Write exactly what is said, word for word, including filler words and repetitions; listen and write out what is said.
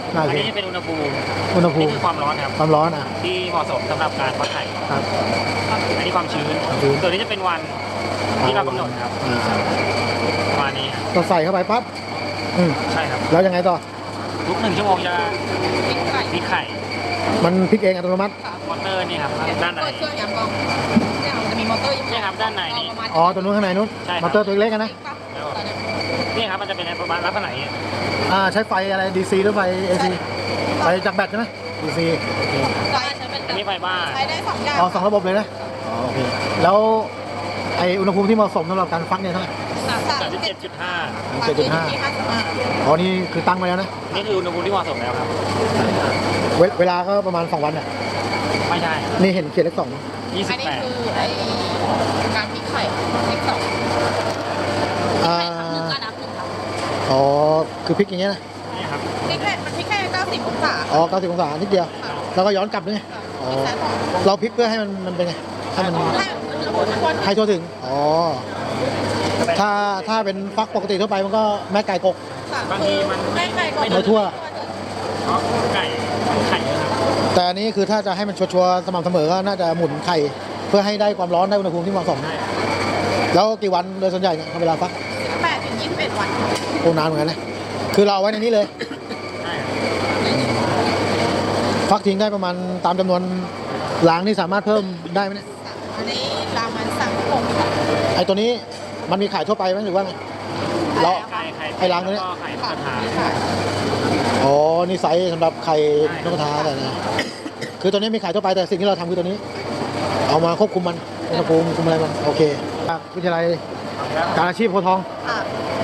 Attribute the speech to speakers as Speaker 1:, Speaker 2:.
Speaker 1: น่า
Speaker 2: อัน
Speaker 1: สิ
Speaker 2: นี้จะเป็นอุณหภูมิ
Speaker 1: อุณหภู
Speaker 2: นี่
Speaker 1: มิ
Speaker 2: คือความร้อนครับ
Speaker 1: ความร้อนอ่ะ
Speaker 2: ที่เหมาะสมสำหรับการฟักไข่
Speaker 1: ครับ
Speaker 2: อันนี้ความชื้น
Speaker 1: ความชื้น
Speaker 2: ตัวนี้จะเป็นวันที่เรากำหนดครับ
Speaker 1: อ่า
Speaker 2: ประมาณนี้ครับ
Speaker 1: เราใส่เข้าไปปั๊บอืม
Speaker 2: ใช่ครับ
Speaker 1: แล้วยังไงต่อ
Speaker 2: ทุกหนึ่งชั่วโมงจะ
Speaker 3: พริกไก่
Speaker 2: พลิกไข่
Speaker 1: มันพลิกเองอัตโนมัติ
Speaker 3: ค่ะ
Speaker 2: มอเตอร์นี่ครับด้านใน
Speaker 3: เปิดเครื่องยำกองเนี่ยมันจะมีมอเตอร์อยู่
Speaker 2: เนี่ยครับด้านในนี่
Speaker 3: ประมาณ
Speaker 1: อ๋อตัวนู้นข้างในนู้น
Speaker 2: ใช่ครับ
Speaker 1: มอเตอร์ตัวเล็กกันนะ
Speaker 2: แล้วนี่ครับมันจะเป็นประมาณลักษณะนี้
Speaker 1: อ่าใช้ไฟอะไร ดี ซี หรือไฟ เอ ซี ไฟจากแบตใช่ไหม ดี ซี
Speaker 3: ใช้ใช้เป็น
Speaker 2: อันนี้ไฟบ้าน
Speaker 3: ใช้ได้สองอย่าง
Speaker 1: อ๋อสองระบบเลยนะอ๋อโอเคแล้วไออุณหภูมิที่เหมาะสมสำหรับการฟักเนี่ยเท่าไหร่
Speaker 3: สาม
Speaker 2: สา
Speaker 3: สาม ม
Speaker 2: สิบเจ็ดจุดห้า
Speaker 1: เจ็ดจุดห้า
Speaker 3: ที่ห้าสิบห้า
Speaker 1: อ๋อนี่คือตั้งไว้แล้วนะ
Speaker 2: นี่คืออุณหภูมิที่เหมาะสมแล้วครับ
Speaker 1: เวเวลาก็ประมาณสองวันอ่ะ
Speaker 2: ไม่ใช่
Speaker 1: นี่เห็นเขียนเลขสอง
Speaker 2: ยี่สิ
Speaker 3: อั
Speaker 2: บ
Speaker 3: นนี้
Speaker 2: แปด
Speaker 3: คือไอการพริกไข่พริกสอง
Speaker 1: อ่า
Speaker 3: หนึ่งการนับหนึ่งครับ
Speaker 1: อ๋อคือพลิกอย่างเงี้ยนะ
Speaker 2: นี่ครับ
Speaker 3: พริกแค่มันพริกแค่เก้าสิบองศา
Speaker 1: อ๋อเก้าสิบองศานิดเดียวแล้วก็ย้อนกลับด้วยไงอ๋อ
Speaker 3: ใช้ของ
Speaker 1: เราพลิกเพื่อให้มันมันเป็นไงให้มัน
Speaker 3: ให้อุณหภูมิมัน
Speaker 1: ให้ทั่วถึงอ๋อถ้าถ้าเป็นฟักปกติทั่วไปมันก็แม่ไก่กก
Speaker 2: บางทีมัน
Speaker 3: แม่ไก่ก็
Speaker 1: ไม่ทั่ว
Speaker 2: เพราะไก่ไข่เยอะครับ
Speaker 1: แต่อันนี้คือถ้าจะให้มันชัวร์ๆสม่ำเสมอก็น่าจะหมุนไข่เพื่อให้ได้ความร้อนได้อุณหภูมิที่เหมาะสม
Speaker 2: ใช่
Speaker 1: แล้วกี่วันโดยส่วนใหญ่เนี่ยเวลาฟัก
Speaker 3: แปดถึงยี่สิบเอ็ดวัน
Speaker 1: โอ้นานเหมือนกันนะคือเราเอาไว้ในนี้เลย
Speaker 2: ใช่
Speaker 1: ฟักทิ้งได้ประมาณตามจำนวนล้างนี่สามารถเพิ่มได้ไหมเนี่ย
Speaker 3: อันนี้รามันสั่งหก
Speaker 1: ไอ้ตัวนี้มันมีขายทั่วไปไหมหรือว่าไง เรา
Speaker 2: ไข่ไข่
Speaker 1: ไอ้รังตัวเนี้ย
Speaker 2: แล้วก็ไข่นกกระทา
Speaker 1: อ๋อนี่ไซส์สำหรับไข่นกกระทาแต่นะคือตัวนี้มีขายทั่วไปแต่สิ่งที่เราทำคือตัวนี้ เอามาควบคุมมันอุณหภูมิคุมอะไรมันโอเคจากวิทยาลัยการอาชีพโพธิ์ทอง
Speaker 3: อ่ะ